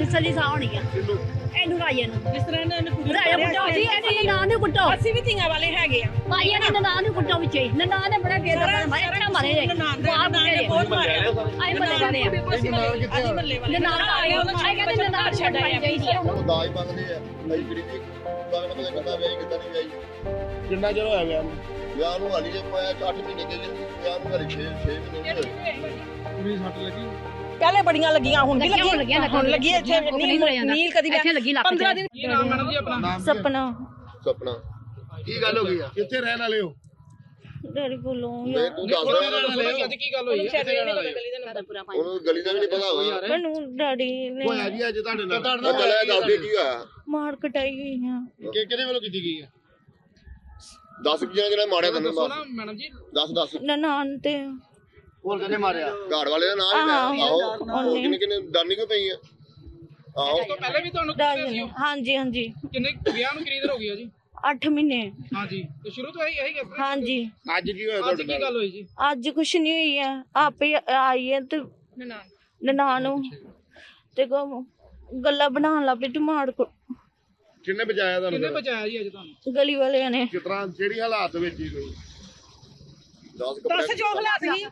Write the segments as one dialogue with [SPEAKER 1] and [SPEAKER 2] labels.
[SPEAKER 1] ਨਿਸਲੀ ਸਾਹ ਹੋਣੀ ਆ ਇਹਨੂੰ ਰਾਜੇ ਨੂੰ
[SPEAKER 2] ਜਿਸ ਤਰ੍ਹਾਂ ਇਹਨਾਂ ਨੇ ਕੁੜੀ
[SPEAKER 1] ਰਾਜਾ ਕੁੱਟੋ ਸੀ ਇਹਨੇ ਨਾਂ ਨੂੰ ਕੁੱਟੋ
[SPEAKER 2] ਅਸੀਂ ਵੀ ਧੀਆਂ ਵਾਲੇ ਹੈਗੇ ਆ
[SPEAKER 1] ਭਾਈ ਇਹਨੇ ਨਾਂ ਨੂੰ ਕੁੱਟੋ ਵਿੱਚੇ ਨਾਂ ਨੇ ਬੜਾ ਬੇਦਰਦ ਮਾਰੇ ਅੱਛਾ ਮਾਰੇ ਜੇ ਬਾਪ ਨੇ
[SPEAKER 2] ਬਹੁਤ ਮਾਰਿਆ
[SPEAKER 1] ਆਈ ਬੱਲੇ ਵਾਲੇ ਆ
[SPEAKER 2] ਅਸੀਂ ਮੱਲੇ ਵਾਲੇ
[SPEAKER 1] ਨਾਂ ਆਏ ਆਈ ਕਹਿੰਦੇ ਨਾਂ ਛੱਡ ਆਈ ਚਾਹੀਦੀ ਆ
[SPEAKER 3] ਦਾਜ ਮੰਗਦੇ ਆ ਅਸੀਂ ਗਰੀਬੀ ਬਾਗਨ ਪਤਾ ਕਿੱਦਾਂ ਵਿਆਹੀ ਕਿੱਦਾਂ ਨਹੀਂ ਵਿਆਹੀ
[SPEAKER 4] ਕਿੰਨਾ ਚਿਰ ਹੋਇਆ ਵਿਆਹ ਨੂੰ?
[SPEAKER 3] ਵਿਆਹ ਨੂੰ ਹਾਲੀ ਜੇ ਪਾਇਆ 8 ਮਹੀਨੇ ਗਏ ਵਿਆਹ ਨੂੰ ਹਾਲੀ 6 ਮਹੀਨੇ ਹੋਏ
[SPEAKER 4] ਕੁੜੀ ਸੱਟ ਲੱਗੀ?
[SPEAKER 2] ਪਹਿਲੇ ਬੜੀਆਂ ਲੱਗੀਆਂ ਹੁਣ ਵੀ
[SPEAKER 1] ਲੱਗੀਆਂ
[SPEAKER 2] ਹੁਣ ਲੱਗੀ ਇੱਥੇ ਨੀਲ ਕਦੀ
[SPEAKER 1] ਇੱਥੇ ਲੱਗੀ ਲੱਕ
[SPEAKER 2] 15 ਦਿਨ
[SPEAKER 4] ਕੀ ਨਾਮ ਮੈਡਮ ਜੀ ਆਪਣਾ?
[SPEAKER 2] ਸਪਨਾ
[SPEAKER 3] ਸੁਪਨਾ ਕੀ ਗੱਲ ਹੋ ਗਈ ਆ
[SPEAKER 4] ਕਿੱਥੇ ਰਹਿਣ ਵਾਲੇ ਹੋ?
[SPEAKER 2] ਡੈਡੀ ਕੋਲੋਂ
[SPEAKER 3] ਮੈਂ ਤੂੰ ਦੱਸ ਰਿਹਾ
[SPEAKER 4] ਅੱਜ ਕੀ ਗੱਲ ਹੋਈ ਹੈ?
[SPEAKER 3] ਉਹਨੂੰ ਗਲੀ ਦਾ ਵੀ ਨਹੀਂ ਪਤਾ ਹੋਗਾ
[SPEAKER 2] ਮੈਨੂੰ ਡੈਡੀ ਨੇ
[SPEAKER 4] ਹੋਇਆ ਜੀ ਅੱਜ ਤੁਹਾਡੇ ਨਾਲ?
[SPEAKER 3] ਚੱਲਿਆ ਦੱਸ ਦੇ ਕੀ ਹੋਇਆ
[SPEAKER 2] ਮਾਰ ਕਟਾਈ ਗਈ ਆ
[SPEAKER 4] ਕਿਹਦੇ ਵੱਲੋਂ ਕੀਤੀ ਗਈ ਹੈ?
[SPEAKER 3] ਦੱਸ ਕੀ ਜਿਹੜਾ ਮਾਰਿਆ ਤੈਨੂੰ
[SPEAKER 4] ਦੱਸੋ ਨਾ ਮੈਡਮ ਜੀ।
[SPEAKER 3] ਦੱਸ
[SPEAKER 2] ਨਨਾਣ ਤੇ
[SPEAKER 4] ਹੋਰ ਕਿਹਨੇ ਮਾਰਿਆ?
[SPEAKER 3] ਘਰ ਵਾਲੇ ਦਾ ਨਾਮ ਹੀ ਆਹੋ
[SPEAKER 2] ਉਹਨੇ।
[SPEAKER 3] ਕਿੰਨੇ ਡਰਨੀ ਕਿਉਂ ਪਈ ਆ ਆਹੋ
[SPEAKER 4] ਉਸ ਤੋਂ ਪਹਿਲੇ ਵੀ ਤੁਹਾਨੂੰ
[SPEAKER 2] ਰਾਜਨ ਹਾਂਜੀ ਹਾਂਜੀ
[SPEAKER 4] ਕਿੰਨੇ ਵਿਆਹ ਨੂੰ ਕਿੰਨੀ ਦੇਰ ਹੋ ਗਈ ਆ ਜੀ?
[SPEAKER 2] 8 ਮਹੀਨੇ
[SPEAKER 4] ਹਾਂਜੀ ਤੇ ਸ਼ੁਰੂ ਤੋਂ ਇਹੀ ਗੱਲ
[SPEAKER 2] ਹਾਂਜੀ
[SPEAKER 3] ਅੱਜ ਕੀ ਹੋਇਆ
[SPEAKER 4] ਅੱਜ
[SPEAKER 3] ਤੁਹਾਡੇ
[SPEAKER 4] ਕੀ
[SPEAKER 3] ਨਾਲ
[SPEAKER 4] ਗੱਲ ਹੋਈ ਜੀ?
[SPEAKER 2] ਅੱਜ ਕੁਛ ਨਹੀਂ ਹੋਈ ਆ ਆਪੇ ਆਈ ਹੈ ਤੇ ਨਨਾਣ ਨੂੰ ਤੇ ਗੱਲਾਂ ਬਣਾਉਣ ਲੱਗ ਪਈ ਟਮਾੜ ਕੋ
[SPEAKER 4] ਕਿੰਨੇ ਬਚਾਇਆ ਤੁਹਾਨੂੰ? ਕਿੰਨੇ ਬਚਾਇਆ ਜੀ ਅੱਜ ਤੁਹਾਨੂੰ?
[SPEAKER 2] ਗਲੀ ਵਾਲਿਆਂ ਨੇ
[SPEAKER 4] ਕਿਸ ਤਰ੍ਹਾਂ ਜਿਹੜੀ ਹਾਲਾਤ ਵਿੱਚ ਹੀ ਕੋਈ
[SPEAKER 3] 10 ਕੱਪੜੇ
[SPEAKER 2] ਜੋ ਹਾਲਾਤ ਸੀ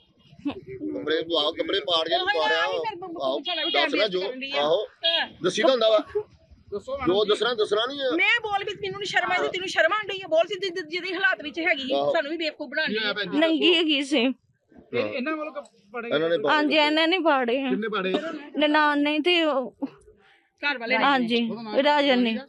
[SPEAKER 3] ਕੱਪੜੇ ਪਾੜ ਕੇ ਮਾਰਿਆ ਆਹੋ ਦੱਸ ਨਾ ਜੋ ਆਹੋ ਦੱਸੀ ਤਾਂ ਹੁੰਦਾ ਵਾ
[SPEAKER 4] ਦੱਸੋ
[SPEAKER 3] ਜੋ ਦੱਸਣਾ ਨਹੀਂ ਆ
[SPEAKER 2] ਮੈਂ ਬੋਲ ਵੀ ਮੈਨੂੰ ਨਹੀਂ ਸ਼ਰਮ ਆਈ ਤੈਨੂੰ ਸ਼ਰਮ ਆਂਦੀ ਹੈ ਬੋਲ ਸੀ ਜਿਹਦੀ ਹਾਲਾਤ ਵਿੱਚ ਹੈਗੀ ਸਾਨੂੰ ਵੀ ਬੇਵਕੂਫ ਬਣਾਉਣੀ ਨੰਗੀ ਹੈਗੀ ਸੀ
[SPEAKER 4] ਇਹਨਾਂ ਵੱਲੋਂ ਪੜੇ
[SPEAKER 3] ਇਹਨਾਂ ਨੇ
[SPEAKER 2] ਹਾਂਜੀ ਇਹਨਾਂ ਨੇ ਪਾੜੇ ਆ
[SPEAKER 4] ਕਿੰਨੇ ਪੜੇ?
[SPEAKER 2] ਨਨਾਣ ਨੇ ਤੇ
[SPEAKER 4] ਘਰ ਵਾਲੇ
[SPEAKER 2] ਹਾਂਜੀ ਰਾਜਨ ਨੇ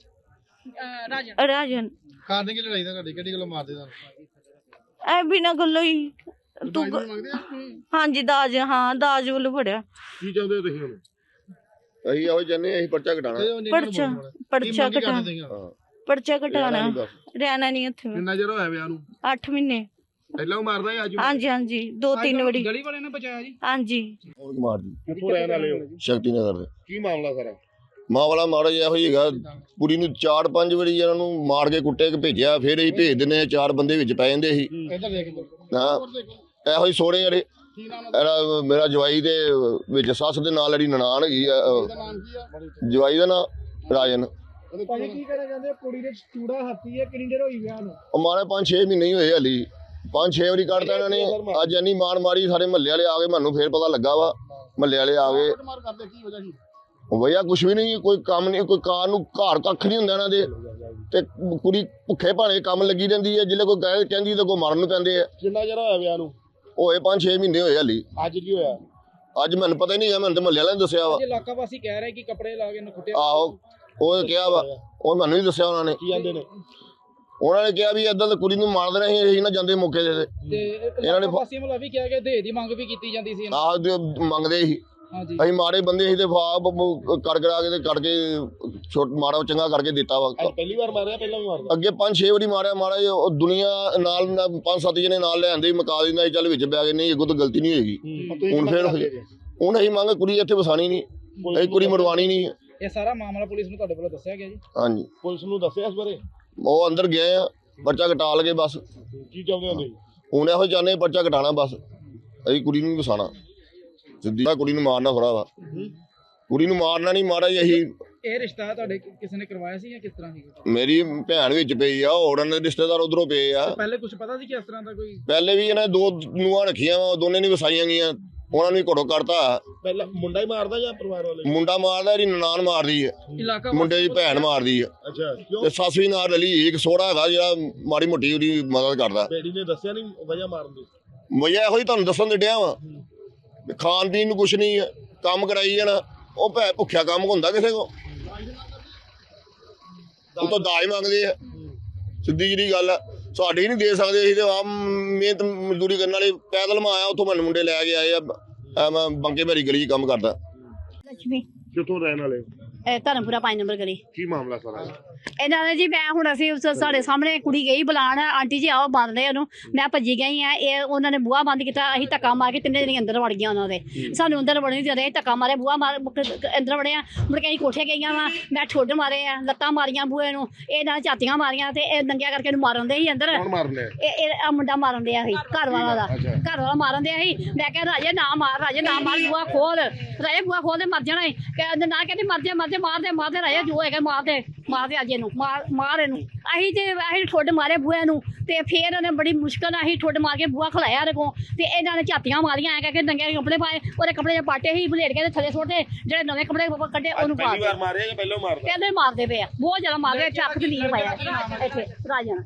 [SPEAKER 2] ਰਾਜਨ
[SPEAKER 4] ਕਾਰਨ ਕੀ ਲੜਾਈ ਦਾ ਤੁਹਾਡੀ ਕਿਹੜੀ ਗੱਲੋਂ ਮਾਰਦੇ ਤੁਹਾਨੂੰ?
[SPEAKER 2] ਐ ਬਿਨਾਂ ਗੱਲੋਂ ਹੀ ਤੂੰ
[SPEAKER 4] ਮੰਗਦੇ ਆ?
[SPEAKER 2] ਹਾਂਜੀ ਦਾਜ ਹਾਂ ਦਾਜ ਵੱਲੋਂ ਫੜਿਆ
[SPEAKER 4] ਕੀ ਚਾਹੁੰਦੇ ਹੋ ਤੁਸੀਂ ਹੁਣ?
[SPEAKER 3] ਅਸੀਂ ਇਹੋ ਜੰਨੇ ਅਸੀਂ ਪਰਚਾ ਘਟਾਣਾ
[SPEAKER 2] ਪਰਚਾ ਕਟਾਣਾ ਪਰਚਾ ਕਟਾਣਾ ਰਹਿਣਾ ਨਹੀਂ ਇੱਥੇ
[SPEAKER 4] ਕਿੰਨਾ ਚਿਰ ਹੋਇਆ ਵਿਆਹ ਨੂੰ?
[SPEAKER 2] 8 ਮਹੀਨੇ
[SPEAKER 4] ਪਹਿਲਾਂ ਉਹ ਮਾਰਦਾ ਹੈ ਅੱਜ
[SPEAKER 2] ਹਾਂਜੀ ਹਾਂਜੀ 2-3 ਵਾਰੀ
[SPEAKER 4] ਗਲੀ ਵਾਲੇ ਨੇ ਬਚਾਇਆ ਜੀ?
[SPEAKER 2] ਹਾਂਜੀ
[SPEAKER 3] ਕੌਣ ਮਾਰਦੀ
[SPEAKER 4] ਕਿੱਥੋਂ ਰਹਿਣ ਵਾਲੇ ਹੋ?
[SPEAKER 3] ਸ਼ਕਤੀ ਨਗਰ ਦੇ
[SPEAKER 4] ਕੀ ਮਾਮਲਾ ਸਾਰਾ?
[SPEAKER 3] ਮਾਂ ਵਾਲਾ ਮਾੜਾ ਜਿਹਾ ਹੋਈ ਹੈਗਾ ਕੁੜੀ ਨੂੰ 4-5 ਵਾਰੀ ਇਹਨਾਂ ਨੂੰ ਮਾਰ ਕੇ ਕੁੱਟੇ ਕੇ ਭੇਜਿਆ ਫਿਰ ਅਸੀਂ ਭੇਜ ਦਿੰਦੇ ਆ 4 ਬੰਦੇ ਵਿੱਚ ਪੈ ਜਾਂਦੇ ਸੀ
[SPEAKER 4] ਇੱਧਰ ਦੇਖ
[SPEAKER 3] ਹਾਂ ਇਹੋ ਹੀ ਸੋਹਣੇ ਜਿਹੜੇ
[SPEAKER 4] ਕੀ ਨਾਮ
[SPEAKER 3] ਇਹਦਾ ਮੇਰਾ ਜਵਾਈ ਦੇ ਵਿੱਚ ਸੱਸ ਦੇ ਨਾਲ ਜਿਹੜੀ ਨਨਾਣ ਹੈਗੀ ਆ
[SPEAKER 4] ਦਾ ਨਾਮ ਕੀ ਆ?
[SPEAKER 3] ਜਵਾਈ ਦਾ ਨਾਂ ਰਾਜਨ
[SPEAKER 4] ਭਾਜੀ ਕੀ ਕਹਿਣਾ ਚਾਹੁੰਦੇ ਕੁੜੀ ਦੇ ਚੂੜਾ ਹੱਥੀ ਹੈ ਕਿੰਨੀ ਦੇਰ ਹੋਈ ਵਿਆਹ ਨੂੰ?
[SPEAKER 3] ਉਹ ਮਾਰੇ 5-6 ਮਹੀਨੇ ਹੀ ਹੋਏ ਹਲੀ 5-6 ਵਾਰੀ ਕੱਢਤਾ ਇਹਨਾਂ ਨੇ ਅੱਜ ਇੰਨੀ ਮਾਰ ਮਾਰੀ ਸਾਰੇ ਮਹੱਲੇ ਵਾਲੇ ਆ ਗਏ ਮੈਨੂੰ ਫੇਰ ਪਤਾ ਲੱਗਾ ਵਾ ਮਹੱਲੇ ਵਾਲੇ ਆ ਗਏ
[SPEAKER 4] ਮਾਰ ਕਰਦੇ ਕੀ ਵਜ੍ਹਾ ਸੀ?
[SPEAKER 3] ਭਈਆ ਕੁਛ ਵੀ ਨਹੀਂ ਕੋਈ ਕੰਮ ਨਹੀਂ ਕੋਈ ਕਾਰ ਨੂੰ ਘਰ ਕੱਖ ਨਹੀਂ ਹੁੰਦਾ ਇਹਨਾਂ ਦੇ ਤੇ ਕੁੜੀ ਭੁੱਖੇ ਭਾਣੇ ਕੰਮ ਲੱਗੀ ਰਹਿੰਦੀ ਹੈ ਜਿੱਲੇ ਕੋਈ ਗਏ ਕਹਿੰਦੀ ਤਾਂ ਕੋਈ ਮਰਨ ਨੂੰ ਪੈਂਦੇ ਆ
[SPEAKER 4] ਕਿੰਨਾ ਚਿਰ ਹੋਇਆ ਵਿਆਹ ਨੂੰ?
[SPEAKER 3] ਹੋਏ 5-6 ਮਹੀਨੇ ਹੋਏ ਹਲੀ
[SPEAKER 4] ਅੱਜ ਕੀ ਹੋਇਆ?
[SPEAKER 3] ਅੱਜ ਮੈਨੂੰ ਪਤਾ ਹੀ ਨਹੀਂ ਹੈ ਮੈਨੂੰ ਤੇ ਮਹੱਲੇ ਵਾਲਿਆਂ ਨੇ ਦੱਸਿਆ ਵਾ
[SPEAKER 4] ਇਲਾਕਾ ਵਾਸੀ ਕਹਿ ਰਹੇ ਕਿ ਕੱਪੜੇ ਲਾ ਕੇ ਇਹਨੂੰ ਕੁੱਟਿਆ।
[SPEAKER 3] ਆਹੋ ਉਹ ਕਿਹਾ ਵਾ ਉਹ ਮੈਨੂੰ ਨਹੀਂ ਦੱਸਿਆ ਉਹਨਾਂ ਨੇ
[SPEAKER 4] ਕੀ ਜਾਂਦੇ ਨੇ
[SPEAKER 3] ਉਹਨਾਂ ਨੇ ਕਿਹਾ ਵੀ ਏਦਾਂ ਤਾਂ ਕੁੜੀ ਨੂੰ ਮਾਰਦੇ ਰਹੇ ਅਸੀਂ ਨਾ ਜਾਂਦੇ ਮੌਕੇ ਤੇ
[SPEAKER 4] ਤੇ
[SPEAKER 3] ਇਹਨਾਂ ਨੇ
[SPEAKER 4] ਵਾਸੀਆਂ ਵੱਲੋਂ ਵੀ ਕਿਹਾ ਕਿ ਦਹੇਜ ਦੀ ਮੰਗ ਵੀ ਕੀਤੀ ਜਾਂਦੀ ਸੀ।
[SPEAKER 3] ਆਹ ਮੰਗਦੇ ਸੀ
[SPEAKER 4] ਹਾਂਜੀ
[SPEAKER 3] ਅਸੀਂ ਮਾਰੇ ਬੰਦੇ ਸੀ ਤੇ ਫਾਪ ਕਰ ਕਰਾ ਕੇ ਤੇ ਕਰਕੇ ਛੋਟ ਮਾਰਾ ਚੰਗਾ ਕਰਕੇ ਦਿੱਤਾ ਵਾ
[SPEAKER 4] ਪਹਿਲੀ ਵਾਰ ਮਾਰਿਆ ਪਹਿਲਾਂ ਵੀ ਮਾਰਦਾ?
[SPEAKER 3] ਅੱਗੇ 5-6 ਵਾਰੀ ਮਾਰਿਆ ਮਾਰਾ ਉਹ ਦੁਨੀਆ ਨਾਲ 5-7 ਜਣੇ ਨਾਲ ਲੈ ਆਂਦੇ ਮਕਾ ਦਿੰਦਾ ਸੀ ਚੱਲ ਵਿੱਚ ਬੈ ਗਏ ਨਹੀਂ ਅੱਗੋਂ ਤਾਂ ਗਲਤੀ ਨਹੀਂ ਹੋਏਗੀ ਹੁਣ ਫੇਰ ਹੁਣ ਅਸੀਂ ਮੰਗ ਕੁੜੀ ਇੱਥੇ ਵਸਾਣੀ ਨਹੀਂ ਅਸੀਂ ਕੁੜੀ ਮਰਵਾਣੀ ਨਹੀਂ
[SPEAKER 4] ਇਹ ਸਾਰਾ ਮਾਮਲਾ ਪੁਲਿਸ ਨੂੰ ਤੁਹਾਡੇ ਵੱਲੋਂ ਦੱਸਿਆ ਗਿਆ ਜੀ?
[SPEAKER 3] ਹਾਂਜੀ
[SPEAKER 4] ਪੁਲਿਸ ਨੂੰ ਦੱਸਿਆ ਇਸ ਬਾਰੇ?
[SPEAKER 3] ਉਹ ਅੰਦਰ ਗਏ ਆ ਪਰਚਾ ਕਟਾ ਲਗੇ ਬਸ
[SPEAKER 4] ਕੀ ਚਾਹੁੰਦੇ ਹੋ ਤੁਸੀਂ?
[SPEAKER 3] ਹੁਣ ਇਹੋ ਚਾਹੁੰਦੇ ਪਰਚਾ ਕਟਾਣਾ ਬਸ ਅਸੀਂ ਕੁੜੀ ਨੂੰ ਵਸਾਣਾ ਸਿੱਧੀ ਕੁੜੀ ਨੂੰ ਮਾਰਨਾ ਥੋੜਾ ਵਾ ਕੁੜੀ ਨੂੰ ਮਾਰਨਾ ਨਹੀਂ ਮਾਰਾ ਜੀ ਅਸੀਂ
[SPEAKER 4] ਇਹ ਰਿਸ਼ਤਾ ਤੁਹਾਡੇ ਕਿਸੇ ਨੇ ਕਰਵਾਇਆ ਸੀ ਜਾਂ ਕਿਸ ਤਰ੍ਹਾਂ ਸੀ?
[SPEAKER 3] ਮੇਰੀ ਭੈਣ ਵਿੱਚ ਪਈ ਆ ਹੋਰ ਉਹਨਾਂ ਦੇ ਰਿਸ਼ਤੇਦਾਰ ਉਧਰੋਂ ਪਏ ਆ
[SPEAKER 4] ਪਹਿਲੇ ਕੁਝ ਪਤਾ ਸੀ ਕਿ ਇਸ ਤਰ੍ਹਾਂ ਦਾ ਕੋਈ?
[SPEAKER 3] ਪਹਿਲੇ ਵੀ ਇਹਨਾਂ 2 ਨੂੰਹਾਂ ਰੱਖੀਆਂ ਵਾ ਦੋਨੇ ਨਹੀਂ ਵਸਾਈਆਂ ਗਈਆਂ ਉਹਨਾਂ ਨੂੰ ਘੜੋ ਕਰਤਾ
[SPEAKER 4] ਪਹਿਲਾਂ ਮੁੰਡਾ ਹੀ ਮਾਰਦਾ ਜਾਂ ਪਰਿਵਾਰ ਵਾਲੇ?
[SPEAKER 3] ਮੁੰਡਾ ਮਾਰਦਾ ਇਹਦੀ ਨਨਾਣ ਮਾਰਦੀ ਹੈ
[SPEAKER 4] ਇਲਾਕਾ
[SPEAKER 3] ਮੁੰਡੇ ਦੀ ਭੈਣ ਮਾਰਦੀ ਹੈ
[SPEAKER 4] ਅੱਛਾ ਕਿਉਂ?
[SPEAKER 3] ਤੇ ਸੱਸ ਵੀ ਨਾਲ ਰਲੀ ਇੱਕ ਸੋਹਰਾ ਹੈਗਾ ਜਿਹੜਾ ਮਾੜੀ ਮੋਟੀ ਉਹਦੀ ਮਦਦ ਕਰਦਾ
[SPEAKER 4] ਬੇੜੀ ਨੇ ਦੱਸਿਆ ਨਹੀਂ ਵਜ੍ਹਾ ਮਾਰਨ ਦੀ?
[SPEAKER 3] ਵਜ੍ਹਾ ਇਹੋ ਹੀ ਤੁਹਾਨੂੰ ਦੱਸਣ ਦੇ ਡਿਆ ਵਾ ਖਾਣ ਪੀਣ ਨੂੰ ਕੁਛ ਨਹੀਂ ਹੈ ਕੰਮ ਕਰਾਈ ਜਾਣਾ ਉਹ ਭੈ ਭੁੱਖਿਆ ਕੰਮ ਹੁੰਦਾ ਕਿਸੇ ਕੋ ਉਹ ਤਾਂ ਦਾਜ ਮੰਗਦੇ ਆ ਸਿੱਧੀ ਜਿਹੜੀ ਗੱਲ ਆ ਸਾਡੇ ਹੀ ਨਹੀਂ ਦੇ ਸਕਦੇ ਅਸੀਂ ਤੇ ਆਪ ਮਿਹਨਤ ਮਜ਼ਦੂਰੀ ਕਰਨ ਵਾਲੇ ਪੈਦਲ ਮੈਂ ਆਇਆ ਉੱਥੋਂ ਮੈਨੂੰ ਮੁੰਡੇ ਲੈ ਕੇ ਆਏ ਆ ਮੈਂ ਬੰਕੇ ਭੈਰੀ ਗਲੀ 'ਚ ਕੰਮ ਕਰਦਾ
[SPEAKER 1] ਲక్ష్ਮੀ
[SPEAKER 4] ਕਿੱਥੋਂ ਰਹਿਣ ਵਾਲੇ?
[SPEAKER 1] ਧਰਮਪੁਰਾ 5 ਨੰਬਰ ਗਲੀ।
[SPEAKER 3] ਕੀ ਮਾਮਲਾ ਸਾਰਾ
[SPEAKER 1] ਇਹਨਾਂ ਨੇ ਜੀ ਮੈਂ ਹੁਣ ਅਸੀਂ ਸਾਡੇ ਸਾਹਮਣੇ ਕੁੜੀ ਗਈ ਬੁਲਾਉਣ, ਆਂਟੀ ਜੀ ਆਓ ਬੰਦ ਲੈ ਉਹਨੂੰ, ਮੈਂ ਭੱਜੀ ਗਈ ਆ, ਇਹ ਉਹਨਾਂ ਨੇ ਬੂਹਾ ਬੰਦ ਕੀਤਾ, ਅਸੀਂ ਧੱਕਾ ਮਾਰ ਕੇ ਤਿੰਨੇ ਜਣੇ ਅੰਦਰ ਵੜ ਗਈਆਂ ਉਹਨਾਂ ਦੇ, ਸਾਨੂੰ ਅੰਦਰ ਵੜਨ ਨਹੀਂ ਦੇ ਰਹੇ, ਧੱਕਾ ਮਾਰੇ ਬੂਹਾ ਮਾਰ ਅੰਦਰ ਵੜਿਆ, ਮੁੜ ਕੇ ਅਸੀਂ ਕੋਠੇ ਗਈਆਂ ਵਾ, ਮੈਂ ਠੁੱਡ ਮਾਰੇ ਆ, ਲੱਤਾਂ ਮਾਰੀਆਂ ਬੂਹੇ ਨੂੰ, ਇਹ ਨਾਲ ਝਾਤੀਆਂ ਮਾਰੀਆਂ ਤੇ ਇਹ ਨੰਗਿਆ ਕਰਕੇ ਇਹਨੂੰ ਮਾਰਨ ਦੇ ਸੀ ਅੰਦਰ। ਇਹ ਮੁੰਡਾ ਮਾਰਨ ਡਿਆ ਸੀ, ਘਰ ਵਾਲਾ ਦਾ, ਘਰ ਵਾਲਾ ਮਾਰਨ ਡਿਆ ਸੀ। ਮੈਂ ਕਿਹਾ ਰਾਜੇ ਨਾ ਮਾਰ, ਰਾਜੇ ਨਾ ਮਾਰ, ਬੂਹਾ ਖੋਲ, ਰਾਜੇ ਬੂਹਾ ਖੋਲ ਦੇ ਮਰ ਜਾਣਾ ਹੈ, ਕਹਿੰਦੇ ਨਾ, ਕਹਿੰਦੀ ਮਰ ਜਾ ਮਰ ਜਾ, ਮਾਰਦੇ ਰਾਜੇ ਜੋ ਹੈਗਾ ਮਾਰਦੇ ਅੱਜ ਇਹਨੂੰ ਮਾਰ ਇਹਨੂੰ। ਅਸੀਂ ਠੁੱਡ ਮਾਰੇ ਬੂਹੇ ਨੂੰ ਤੇ ਫੇਰ ਉਹਨੇ ਬੜੀ ਮੁਸ਼ਕਲ ਨਾਲ ਅਸੀਂ ਠੁੱਡ ਮਾਰ ਕੇ ਬੂਹਾ ਖਲਾਇਆ ਇਹਦੇ ਕੋਲ ਤੇ ਇਹਨਾਂ ਨੇ ਝਾਤੀਆਂ ਮਾਰੀਆਂ ਐ ਕਰਕੇ ਨੰਗੇ ਕੱਪੜੇ ਪਾਏ, ਉਹਦੇ ਕੱਪੜੇ ਦੇ ਪਾਟੇ ਹੀ ਬਲੇਡ ਕੇ ਥੱਲੇ ਸੁੱਟਦੇ, ਜਿਹੜੇ ਨਵੇਂ ਕੱਪੜੇ ਕੱਢੇ ਉਹਨੂੰ ਪਾ ਦੇ। ਪਹਿਲਾਂ ਮਾਰਦੇ ਪਏ ਆ, ਬਹੁਤ ਜ਼ਿਆਦਾ ਮਾਰਦੇ, ਚੱਕ ਤੇ ਨੀਲ ਪਾਇਆ ਇੱਥੇ ਰਾਜਨ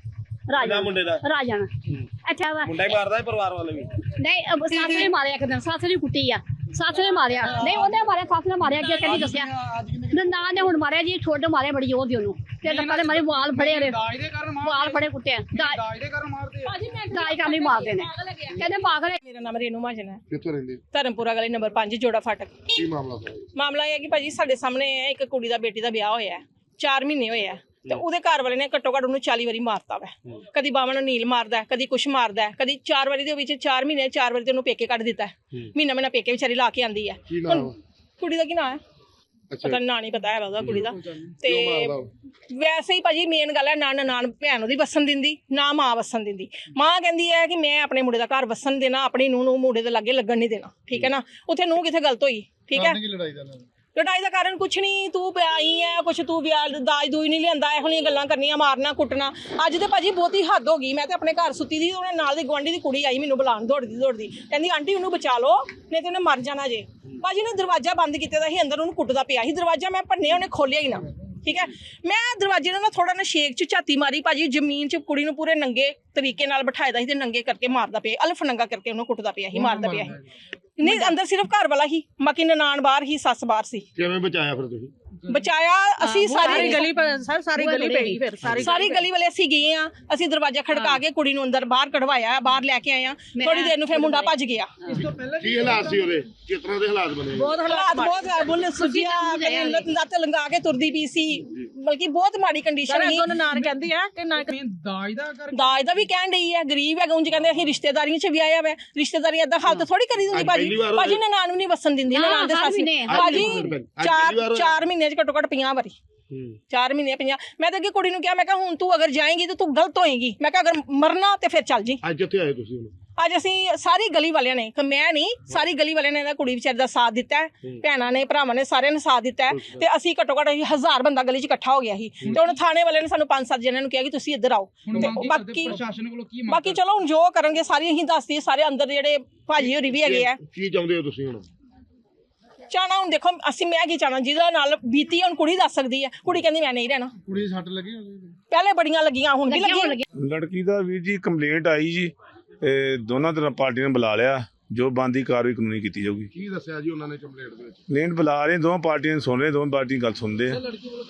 [SPEAKER 1] ਅੱਛਾ ਵਾ ਮੁੰਡਾ ਹੀ ਮਾਰਦਾ ਪਰਿਵਾਰ ਵਾਲੇ ਵੀ ਨਹੀਂ, ਸੱਸ ਨੇ ਮਾਰਿਆ ਇੱਕ ਦਿਨ, ਸੱਸ ਨੇ ਕੁੱਟੀ ਆ, ਸੱਸ ਨੇ ਮਾਰਿਆ ਨਹੀਂ, ਉਹਨੇ ਮਾਰਿਆ, ਸੱਸ ਨੇ ਮਾਰਿਆ, ਅੱਗੇ ਕਹਿੰਦੀ ਦੱਸਿਆ ਨਾ ਨੇ ਹੁਣ ਮਾਰਿਆ ਜੀ, ਠੁੱਡ ਮਾਰੇ ਬੜੀ ਜ਼ੋਰ ਦੀ ਉਹਨੂੰ ਤੇ ਲੱਕਾਂ ਦੇ ਮਾਰੇ, ਵਾਲ ਫੜੇ ਉਹਦੇ, ਵਾਲ ਫੜੇ ਕੁੱਟੇ, ਦਾਜ ਦੇ ਕਾਰਨ ਮਾਰਦੇ ਨੇ, ਕਹਿੰਦੇ ਪਾਗਲ।
[SPEAKER 5] ਮੇਰਾ ਨਾਮ ਰੇਨੂ ਮਹਾਜਨ ਹੈ,
[SPEAKER 3] ਕਿੱਥੋਂ ਰਹਿੰਦੇ?
[SPEAKER 5] ਧਰਮਪੁਰਾ ਗਲੀ ਨੰਬਰ 5 ਜੋੜਾ ਫਾਟਕ।
[SPEAKER 3] ਕੀ ਮਾਮਲਾ ਸਾਰਾ?
[SPEAKER 5] ਮਾਮਲਾ ਇਹ ਹੈ ਕਿ ਭਾਜੀ ਸਾਡੇ ਸਾਹਮਣੇ ਇੱਕ ਕੁੜੀ ਦਾ ਬੇਟੀ ਦਾ ਵਿਆਹ ਹੋਇਆ ਹੈ, 4 ਮਹੀਨੇ ਹੋਏ ਆ ਤੇ ਉਹਦੇ ਘਰ ਵਾਲੇ ਨੇ ਘੱਟੋ ਘੱਟ ਉਹਨੂੰ 40 ਵਾਰੀ ਮਾਰਤਾ ਵਾ। ਕਦੀ ਬਾਵਾਂ ਨੂੰ ਨੀਲ ਮਾਰਦਾ, ਕਦੀ ਕੁਛ ਮਾਰਦਾ, ਕਦੀ 4 ਵਾਰੀ ਦੇ ਵਿੱਚ 4 ਮਹੀਨੇ 4 ਵਾਰੀ ਤੇ ਉਹਨੂੰ ਪੇਕੇ ਕੱਢ ਦਿੱਤਾ, ਮਹੀਨਾ ਪੇਕੇ ਵਿਚਾਰੀ ਲਾ ਕੇ ਆਂਦੀ ਹੈ। ਕੁੜੀ ਦਾ ਕੀ ਨਾਂ ਹੈ ਪਤਾ ਨਾਂ ਨਹੀਂ ਪਤਾ ਹੈ ਉਹਦਾ ਕੁੜੀ ਦਾ। ਤੇ ਵੈਸੇ ਹੀ ਭਾਜੀ ਮੇਨ ਗੱਲ ਹੈ ਨਾ ਨਾਨ ਭੈਣ ਉਹਦੀ ਵਸਣ ਦਿੰਦੀ, ਨਾ ਮਾਂ ਵਸਣ ਦਿੰਦੀ। ਮਾਂ ਕਹਿੰਦੀ ਹੈ ਕਿ ਮੈਂ ਆਪਣੇ ਮੁੰਡੇ ਦਾ ਘਰ ਵਸਣ ਦੇਣਾ, ਆਪਣੀ ਨੂੰਹ ਨੂੰ ਮੁੰਡੇ ਦੇ ਲਾਗੇ ਲੱਗਣ ਨਹੀਂ ਦੇਣਾ, ਠੀਕ ਹੈ ਨਾ। ਉੱਥੇ ਨੂੰਹ ਕਿੱਥੇ ਗਲਤ ਹੋਈ, ਠੀਕ ਹੈ। ਲੜਾਈ ਦਾ ਕਾਰਨ ਕੁਛ ਨਹੀਂ, ਤੂੰ ਵਿਆਹੀ ਹੈ, ਕੁਛ ਤੂੰ ਵਿਆਹ ਦਾਜ ਦੂਜ ਨਹੀਂ ਲਿਆਂਦਾ, ਇਹੋ ਜਿਹੀਆਂ ਗੱਲਾਂ ਕਰਨੀਆਂ, ਮਾਰਨਾ ਕੁੱਟਣਾ। ਅੱਜ ਤੇ ਭਾਜੀ ਬਹੁਤੀ ਹੱਦ ਹੋ ਗਈ। ਮੈਂ ਤੇ ਆਪਣੇ ਘਰ ਸੁੱਤੀ ਦੀ, ਉਹਨੇ ਨਾਲ ਦੀ ਗੁਆਂਢੀ ਦੀ ਕੁੜੀ ਆਈ ਮੈਨੂੰ ਬੁਲਾਉਣ, ਦੌੜਦੀ ਕਹਿੰਦੀ ਆਂਟੀ ਉਹਨੂੰ ਬਚਾ ਲਓ ਨਹੀਂ ਤੇ ਉਹਨੇ ਮਰ ਜਾਣਾ ਜੇ। ਭਾਜੀ ਨੇ ਦਰਵਾਜ਼ਾ ਬੰਦ ਕੀਤਾ ਦਾ ਸੀ, ਅੰਦਰ ਉਹਨੂੰ ਕੁੱਟਦਾ ਪਿਆ ਸੀ, ਦਰਵਾਜ਼ਾ ਮੈਂ ਭੰਨਿਆ, ਉਹਨੇ ਖੋਲਿਆ ਹੀ ਨਾ, ਠੀਕ ਹੈ। ਮੈਂ ਦਰਵਾਜ਼ੇ ਨਾਲ ਥੋੜਾ ਨਾ ਸ਼ੇਕ ਚ ਝਾਤੀ ਮਾਰੀ ਭਾਜੀ, ਜ਼ਮੀਨ ਚ ਕੁੜੀ ਨੂੰ ਪੂਰੇ ਨੰਗੇ ਤਰੀਕੇ ਨਾਲ ਬਿਠਾਇਦਾ ਸੀ ਤੇ ਨੰਗੇ ਕਰਕੇ ਮਾਰਦਾ ਪਿਆ, ਅਲਫ ਨੰਗਾ ਕਰਕੇ ਉਹਨੂੰ ਕੁੱਟਦਾ ਪਿਆ ਸੀ, ਮਾਰਦਾ ਪਿਆ ਸੀ। ਨਹੀਂ ਅੰਦਰ ਸਿਰਫ ਘਰ ਵਾਲਾ ਹੀ, ਬਾਕੀ ਨਨਾਣ ਬਾਹਰ ਹੀ, ਸੱਸ ਬਾਹਰ ਸੀ।
[SPEAKER 3] ਕਿਵੇਂ ਬਚਾਇਆ ਫਿਰ ਤੁਸੀਂ?
[SPEAKER 5] ਬਚਾਇਆ ਅਸੀਂ ਸਾਰੀ ਗਲੀ
[SPEAKER 2] ਸਾਰੀ ਗਲੀ ਪੈ ਗਈ, ਫਿਰ
[SPEAKER 5] ਸਾਰੀ ਗਲੀ ਵਾਲੇ ਅਸੀਂ ਗਏ ਆ, ਅਸੀਂ ਦਰਵਾਜ਼ਾ ਖੜਕਾ ਕੇ ਕੁੜੀ ਨੂੰ ਅੰਦਰ ਬਾਹਰ ਕਢਵਾਇਆ, ਬਾਹਰ ਲੈ ਕੇ ਆਏ ਆ। ਥੋੜੀ ਦੇਰ ਨੂੰ ਫਿਰ ਮੁੰਡਾ ਭੱਜ ਗਿਆ।
[SPEAKER 3] ਕੀ ਹਾਲਾਤ ਸੀ ਉਹਦੇ, ਕਿਸ ਤਰ੍ਹਾਂ ਦੇ ਹਾਲਾਤ ਬਣੇ?
[SPEAKER 5] ਬਹੁਤ ਬੁੱਲ ਸੁਜਿਆ, ਲੱਤ ਲੰਗਾ ਕੇ ਤੁਰਦੀ ਪਈ ਸੀ, ਬਲਕਿ ਬਹੁਤ ਮਾੜੀ ਕੰਡੀਸ਼ਨ ਸੀ।
[SPEAKER 2] ਨਾਨ ਕਹਿੰਦੀ ਆ ਕਿ ਨਾ
[SPEAKER 5] ਦਾਜ ਦਾ ਵੀ ਕਹਿਣ ਡਈ ਹੈ, ਗਰੀਬ ਹੈ, ਉਂਝ ਕਹਿੰਦੇ ਅਸੀਂ ਰਿਸ਼ਤੇਦਾਰੀਆਂ ਚ ਵੀ ਆਇਆ ਵਾ, ਰਿਸ਼ਤੇਦਾਰੀ ਏਦਾਂ ਹਾਲਤ ਥੋੜੀ ਕਰੀ ਦਿੰਦੀ ਭਾਜੀ ਨੇ ਨਾਨ ਵੀ ਨਹੀਂ ਵਸਣ ਦਿੰਦੀ, ਨਨਾਣ ਦੇ ਸੱਸ ਭਾਜੀ 4 ਮਹੀਨੇ ਘੱਟੋ ਘੱਟ 50 ਵਾਰੀ 4 ਮਹੀਨੇ 50। ਮੈਂ ਤਾਂ ਅੱਗੇ ਕੁੜੀ ਨੂੰ ਕਿਹਾ, ਮੈਂ ਕਿਹਾ ਹੁਣ ਤੂੰ ਅਗਰ ਜਾਏਂਗੀ ਤਾਂ ਤੂੰ ਗਲਤ ਹੋਏਗੀ, ਮੈਂ ਕਿਹਾ ਅਗਰ ਮਰਨਾ ਤੇ ਫਿਰ ਚੱਲ ਜੀ।
[SPEAKER 3] ਅੱਜ ਕਿੱਥੇ ਆਏ ਤੁਸੀਂ?
[SPEAKER 5] ਅੱਜ ਅਸੀਂ ਸਾਰੀ ਗਲੀ ਵਾਲਿਆਂ ਨੇ, ਮੈਂ ਨਹੀਂ ਸਾਰੀ ਗਲੀ ਵਾਲਿਆਂ ਨੇ ਇਹਦਾ ਕੁੜੀ ਵਿਚਾਰੀ ਦਾ ਸਾਥ ਦਿੱਤਾ ਹੈ, ਭੈਣਾਂ ਨੇ ਭਰਾਵਾਂ ਨੇ ਸਾਰਿਆਂ ਨੇ ਸਾਥ ਦਿੱਤਾ ਹੈ ਤੇ ਅਸੀਂ ਘੱਟੋ ਘੱਟ 1000 ਬੰਦਾ ਗਲੀ 'ਚ ਇਕੱਠਾ ਹੋ ਗਿਆ ਸੀ ਤੇ ਹੁਣ ਥਾਣੇ ਵਾਲਿਆਂ ਨੇ ਸਾਨੂੰ 5-7 ਜਣਿਆਂ ਨੂੰ ਕਿਹਾ ਕਿ ਤੁਸੀਂ ਇੱਧਰ ਆਓ। ਬਾਕੀ ਚਲੋ ਹੁਣ ਜੋ ਕਰਨਗੇ ਸਾਰੀ ਅਸੀਂ ਦੱਸਦੀ, ਸਾਰੇ ਅੰਦਰ ਜਿਹੜੇ ਭਾਜੀ ਹੋਰੀ ਵੀ ਹੈਗੇ ਆ।
[SPEAKER 3] ਕੀ ਚਾਹੁੰਦੇ ਹੋ ਤੁਸੀਂ ਹੁਣ?
[SPEAKER 5] ਚਾਹਣਾ ਹੁਣ ਦੇਖੋ ਅਸੀਂ, ਮੈਂ ਕੀ ਚਾਹਣਾ, ਜਿਹਦੇ ਨਾਲ ਬੀਤੀ ਹੁਣ ਕੁੜੀ ਦੱਸ ਸਕਦੀ ਹੈ। ਕੁੜੀ ਕਹਿੰਦੀ ਮੈਂ ਨਹੀਂ ਰਹਿਣਾ।
[SPEAKER 4] ਕੁੜੀ ਦੀ ਸੱਟ ਲੱਗੀ
[SPEAKER 5] ਪਹਿਲੇ ਬੜੀਆਂ ਲੱਗੀਆਂ, ਹੁਣ ਵੀ ਲੱਗੀ।
[SPEAKER 6] ਲੜਕੀ ਦਾ ਵੀਰ ਜੀ ਕੰਪਲੇਂਟ ਆਈ ਜੀ, ਦੋਨਾਂ ਤਰ੍ਹਾਂ ਪਾਰਟੀਆਂ ਨੇ ਬੁਲਾ ਲਿਆ, ਜੋ ਬਣਦੀ ਕਾਰਵਾਈ ਕਾਨੂੰਨੀ ਕੀਤੀ ਜਾਊਗੀ।
[SPEAKER 3] ਕੀ ਦੱਸਿਆ ਜੀ ਉਹਨਾਂ ਨੇ ਕੰਪਲੇਂਟ ਦੇ ਵਿੱਚ?
[SPEAKER 6] ਕੰਪਲੇਂਟ ਬੁਲਾ ਰਹੇ, ਦੋਵਾਂ ਪਾਰਟੀਆਂ ਸੁਣ ਰਹੇ, ਦੋਵਾਂ ਪਾਰਟੀਆਂ ਗੱਲ ਸੁਣਦੇ ਆ।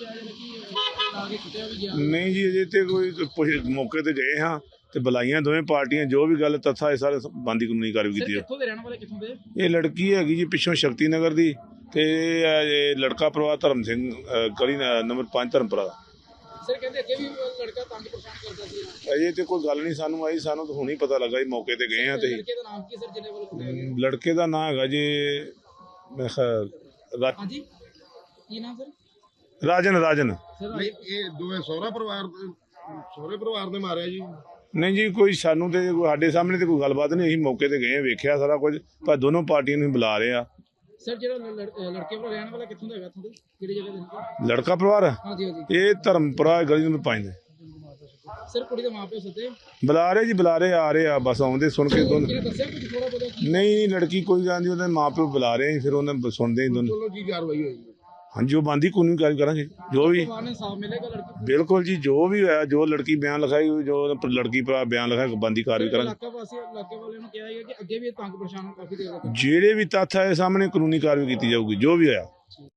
[SPEAKER 6] ਨਹੀਂ ਜੀ ਅਜੇ ਤੇ ਕੋਈ ਮੌਕੇ ਤੇ ਗਏ ਹਾਂ ਤੇ ਬੁਲਾਈਆਂ ਦੋਵੇਂ ਪਾਰਟੀਆਂ, ਜੋ ਵੀ ਗੱਲ ਤੱਥਾ ਇਹ ਸਾਰੇ ਬਣਦੀ ਕਾਨੂੰਨੀ ਕਾਰਵਾਈ ਕੀਤੀ ਹੈ। ਇਹ ਲੜਕੀ ਹੈਗੀ ਜੀ ਪਿੱਛੋਂ ਸ਼ਕਤੀ ਨਗਰ ਦੀ ਤੇ ਇਹ ਲੜਕਾ ਪਰਿਵਾਰ ਧਰਮ ਸਿੰਘ ਗਲੀ ਨੰਬਰ 5 ਧਰਮਪੁਰਾ ਦਾ।
[SPEAKER 4] ਸਰ ਕਹਿੰਦੇ ਅੱਗੇ ਵੀ ਲੜਕਾ ਤੰਗ ਪਰੇਸ਼ਾਨ ਕਰਦਾ ਸੀ।
[SPEAKER 6] ਅਜੇ ਤੇ ਕੋਈ ਗੱਲ ਨਹੀਂ ਸਾਨੂੰ ਆਈ, ਸਾਨੂੰ ਤਾਂ ਹੁਣੀ ਪਤਾ ਲੱਗਾ ਜੀ, ਮੌਕੇ ਤੇ ਗਏ ਆ ਤੇ।
[SPEAKER 4] ਲੜਕੇ ਦਾ ਨਾਮ ਕੀ ਸਰ ਜਿਹਨੇ ਵੱਲੋਂ ਕੁੱਟਿਆ ਗਿਆ?
[SPEAKER 6] ਲੜਕੇ ਦਾ ਨਾਮ ਹੈਗਾ ਜੀ ਮੈਂ
[SPEAKER 4] ਹਾਂਜੀ ਕੀ ਨਾਮ ਸਰ?
[SPEAKER 6] ਰਾਜਨ।
[SPEAKER 4] ਸਰ
[SPEAKER 3] ਇਹ ਦੋਵੇਂ ਸਹੁਰੇ ਪਰਿਵਾਰ ਨੇ ਮਾਰਿਆ ਜੀ?
[SPEAKER 6] ਨਹੀਂ ਜੀ ਕੋਈ ਸਾਨੂੰ ਤੇ ਸਾਡੇ ਸਾਹਮਣੇ ਤੇ ਕੋਈ ਗੱਲਬਾਤ ਨਹੀਂ, ਅਸੀਂ ਮੌਕੇ ਤੇ ਗਏ, ਵੇਖਿਆ ਸਾਰਾ ਕੁਝ, ਪਰ ਦੋਨੋਂ ਪਾਰਟੀਆਂ ਨੂੰ ਬੁਲਾ ਰਹੇ ਆ।
[SPEAKER 4] ਸਰ ਜਿਹੜਾ ਲੜਕੇ ਵੱਲੋਂ ਰਹਿਣ ਵਾਲਾ ਕਿੱਥੋਂ ਦਾ ਹੈਗਾ, ਤੁਹਾਡੇ ਕਿਹੜੀ ਜਗ੍ਹਾ ਦਾ
[SPEAKER 6] ਲੜਕਾ ਪਰਿਵਾਰ?
[SPEAKER 4] ਹਾਂਜੀ
[SPEAKER 6] ਇਹ ਧਰਮਪੁਰਾ ਗਲੀ ਨੰਬਰ 5 ਦੇ।
[SPEAKER 4] ਸਰ ਕੁੜੀ ਦੇ ਮਾਪੇ ਸੱਦੇ
[SPEAKER 6] ਬੁਲਾ ਰਹੇ ਜੀ, ਬੁਲਾ ਰਹੇ, ਆ ਰਹੇ ਆ, ਬਸ ਆਉਂਦੇ ਸੁਣ ਕੇ ਦੋਨੋਂ।
[SPEAKER 4] ਕਿਹਨੇ ਦੱਸਿਆ ਕੁਝ ਥੋੜਾ ਬਹੁਤਾ?
[SPEAKER 6] ਨਹੀਂ ਲੜਕੀ ਕੋਈ ਗੱਲ ਨਹੀਂ, ਉਹਦੇ ਮਾਪੇ ਬੁਲਾ ਰਹੇ, ਫਿਰ ਉਹਨਾਂ ਸੁਣਦੇ ਹੀ ਦੋਨੋਂ।
[SPEAKER 3] ਚਲੋ ਕੀ ਕਾਰਵਾਈ ਹੋਈ?
[SPEAKER 6] ਹਾਂਜੀ ਉਹ ਬਣਦੀ ਕਾਨੂੰਨੀ ਕਾਰਵਾਈ ਕਰਾਂਗੇ, ਜੋ ਵੀ।
[SPEAKER 4] ਇਨਸਾਫ ਮਿਲੇਗਾ ਲੜਕੀ?
[SPEAKER 6] ਬਿਲਕੁਲ ਜੀ, ਜੋ ਵੀ ਹੋਇਆ, ਜੋ ਲੜਕੀ ਬਿਆਨ ਲਿਖਾਈ, ਜੋ ਲੜਕੀ ਭਰਾ ਬਿਆਨ ਲਿਖਾਇਆ, ਬਣਦੀ ਕਾਰਵਾਈ ਕਰਾਂਗੇ।
[SPEAKER 4] ਇਲਾਕੇ ਵਾਲਿਆਂ ਨੂੰ ਕਿਹਾ ਹੈ ਕਿ ਅੱਗੇ ਵੀ ਤੰਗ ਪਰੇਸ਼ਾਨ ਕਾਫੀ ਦੇਰ ਤੱਕ
[SPEAKER 6] ਜਿਹੜੇ ਵੀ ਤੱਥ ਆਏ ਸਾਹਮਣੇ ਕਾਨੂੰਨੀ ਕਾਰਵਾਈ ਕੀਤੀ ਜਾਊਗੀ, ਜੋ ਵੀ ਹੋਇਆ।